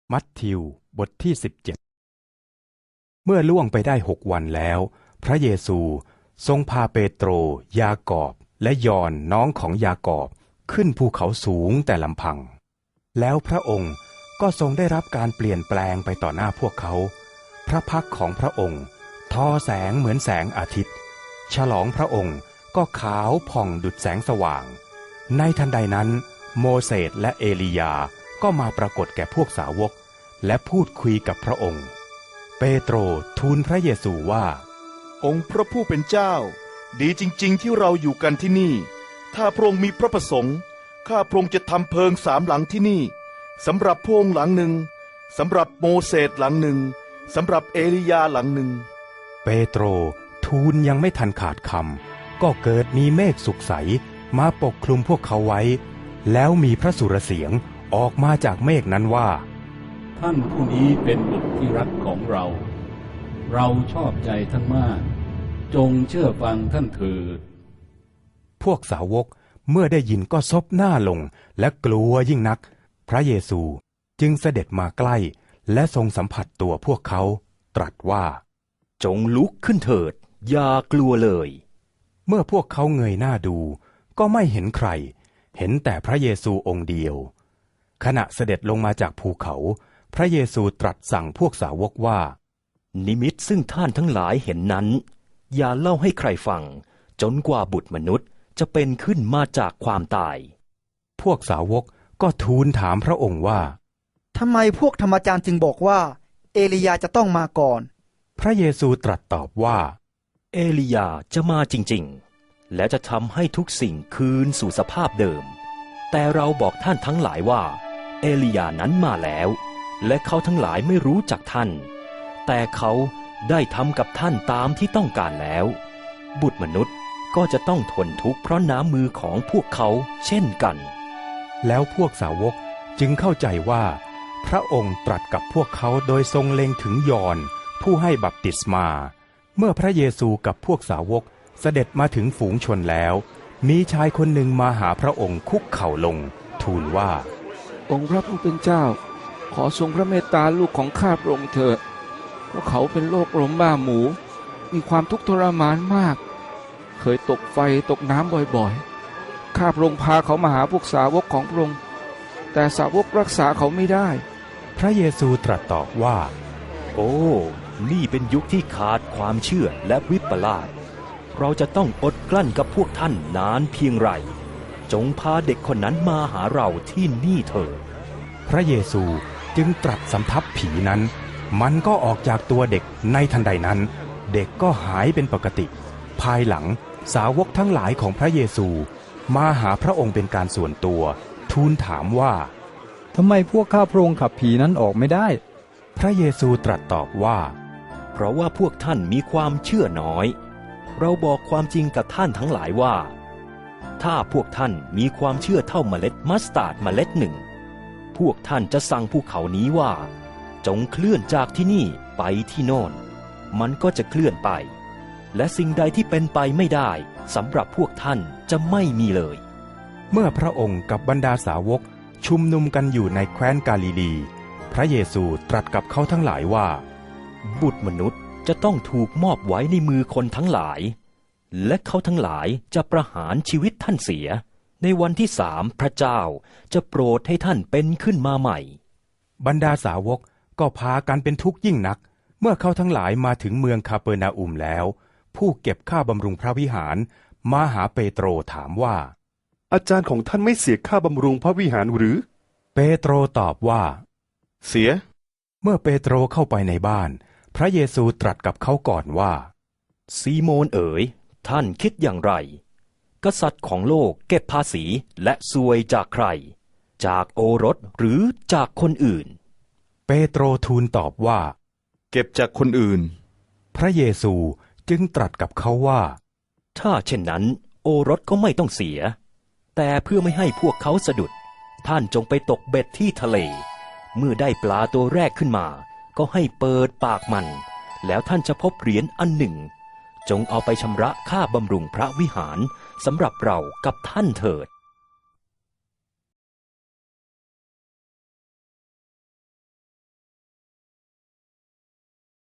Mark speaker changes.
Speaker 1: มัทธิวบทที่17เมื่อล่วงไปได้6 วันแล้วพระเยซูทรงพาเปโตรยากอบและยอห์นน้องของยากอบขึ้นภูเขาสูงแต่ลำพังแล้วพระองค์ก็ทรงได้รับการเปลี่ยนแปลงไปต่อหน้าพวกเขาพระพักของพระองค์ทอแสงเหมือนแสงอาทิตย์ฉลองพระองค์ก็ขาวผ่องดุจแสงสว่างในทันใดนั้นโมเสสและเอลียาก็มาปรากฏแก่พวกสาวกและพูดคุยกับพระองค์เปโตรทูลพระเยซูว่า
Speaker 2: องค์พระผู้เป็นเจ้าดีจริงๆที่เราอยู่กันที่นี่ถ้าพระองค์มีพระประสงค์ข้าพระองค์จะทำเพิง3 หลังที่นี่สำหรับพระองค์หลังหนึ่งสำหรับโมเสสหลังหนึ่งสำหรับเอลียาหลังหนึ่ง
Speaker 1: เปโตรทูลยังไม่ทันขาดคำก็เกิดมีเมฆสุกใสมาปกคลุมพวกเขาไว้แล้วมีพระสุรเสียงออกมาจากเมฆนั้นว่า
Speaker 3: ท่านผู้นี้เป็นบุตรที่รักของเราเราชอบใจท่านมากจงเชื่อฟังท่านเถิด
Speaker 1: พวกสาวกเมื่อได้ยินก็ซบหน้าลงและกลัวยิ่งนักพระเยซูจึงเสด็จมาใกล้และทรงสัมผัสตัวพวกเขาตรัสว่า
Speaker 4: จงลุกขึ้นเถิดอย่ากลัวเลย
Speaker 1: เมื่อพวกเขาเงยหน้าดูก็ไม่เห็นใครเห็นแต่พระเยซูองค์เดียวขณะเสด็จลงมาจากภูเขาพระเยซูตรัสสั่งพวกสาวกว่า
Speaker 4: นิมิตซึ่งท่านทั้งหลายเห็นนั้นอย่าเล่าให้ใครฟังจนกว่าบุตรมนุษย์จะเป็นขึ้นมาจากความตาย
Speaker 1: พวกสาวกก็ทูลถามพระองค์ว่า
Speaker 5: ทำไมพวกธรรมจารย์จึงบอกว่าเอลียาจะต้องมาก่อน
Speaker 1: พระเยซูตรัสตอบว่า
Speaker 4: เอลียาจะมาจริงๆและจะทำให้ทุกสิ่งคืนสู่สภาพเดิมแต่เราบอกท่านทั้งหลายว่าเอลียานั้นมาแล้วและเขาทั้งหลายไม่รู้จักท่านแต่เขาได้ทำกับท่านตามที่ต้องการแล้วบุตรมนุษย์ก็จะต้องทนทุกข์เพราะน้ำมือของพวกเขาเช่นกัน
Speaker 1: แล้วพวกสาวกจึงเข้าใจว่าพระองค์ตรัสกับพวกเขาโดยทรงเล็งถึงยอห์นผู้ให้บัพติศมาเมื่อพระเยซูกับพวกสาวกเสด็จมาถึงฝูงชนแล้วมีชายคนหนึ่งมาหาพระองค์คุกเข่าลงทูลว่า
Speaker 6: องค์พระผู้เป็นเจ้าขอทรงพระเมตตาลูกของข้าพระองค์เถิดเพราะเขาเป็นโรคลมบ้าหมูมีความทุกข์ทรมานมากเคยตกไฟตกน้ำบ่อยๆข้าพระองค์พาเขามาหาพวกสาวกของพระองค์แต่สาวกรักษาเขาไม่ได้
Speaker 1: พระเยซูตรัสตอบว่า
Speaker 4: โอ้นี่เป็นยุคที่ขาดความเชื่อและวิปลาสเราจะต้องอดกลั้นกับพวกท่านนานเพียงไรจงพาเด็กคนนั้นมาหาเราที่นี่เถิด
Speaker 1: พระเยซูจึงตรัสสำทับผีนั้นมันก็ออกจากตัวเด็กในทันใดนั้นเด็กก็หายเป็นปกติภายหลังสาวกทั้งหลายของพระเยซูมาหาพระองค์เป็นการส่วนตัวทูลถามว่า
Speaker 7: ทำไมพวกข้าพระองค์ขับผีนั้นออกไม่ได้
Speaker 1: พระเยซูตรัสตอบว่า
Speaker 4: เพราะว่าพวกท่านมีความเชื่อน้อยเราบอกความจริงกับท่านทั้งหลายว่าถ้าพวกท่านมีความเชื่อเท่าเมล็ดมัสตาร์ดเมล็ดหนึ่งพวกท่านจะสั่งภูเขานี้ว่าจงเคลื่อนจากที่นี่ไปที่โน่นมันก็จะเคลื่อนไปและสิ่งใดที่เป็นไปไม่ได้สำหรับพวกท่านจะไม่มีเลย
Speaker 1: เมื่อพระองค์กับบรรดาสาวกชุมนุมกันอยู่ในแคว้นกาลิลีพระเยซูตรัสกับเขาทั้งหลายว่า
Speaker 4: บุตรมนุษย์จะต้องถูกมอบไว้ในมือคนทั้งหลายและเขาทั้งหลายจะประหารชีวิตท่านเสียในวันที่3พระเจ้าจะโปรดให้ท่านเป็นขึ้นมาใหม่
Speaker 1: บรรดาสาวกก็พากันเป็นทุกข์ยิ่งนักเมื่อเขาทั้งหลายมาถึงเมืองคาเปอร์นาอุมแล้วผู้เก็บค่าบำรุงพระวิหารมาหาเปโตรถามว่า
Speaker 2: อาจารย์ของท่านไม่เสียค่าบำรุงพระวิหารหรือ
Speaker 1: เปโตรตอบว่า
Speaker 2: เสีย
Speaker 1: เมื่อเปโตรเข้าไปในบ้านพระเยซูตรัสกับเขาก่อนว่า
Speaker 4: ซีโมนเอ๋ยท่านคิดอย่างไรกษัตริย์ของโลกเก็บภาษีและสวยจากใครจากโอรสหรือจากคนอื่น
Speaker 1: เปโตรทูลตอบว่า
Speaker 2: เก็บจากคนอื่น
Speaker 1: พระเยซูจึงตรัสกับเขาว่า
Speaker 4: ถ้าเช่นนั้นโอรสก็ไม่ต้องเสียแต่เพื่อไม่ให้พวกเขาสะดุดท่านจงไปตกเบ็ดที่ทะเลเมื่อได้ปลาตัวแรกขึ้นมาก็ให้เปิดปากมันแล้วท่านจะพบเหรียญอันหนึ่งจงเอาไปชำระค่าบำรุงพระวิหารสำหรับเรากับท่านเถิด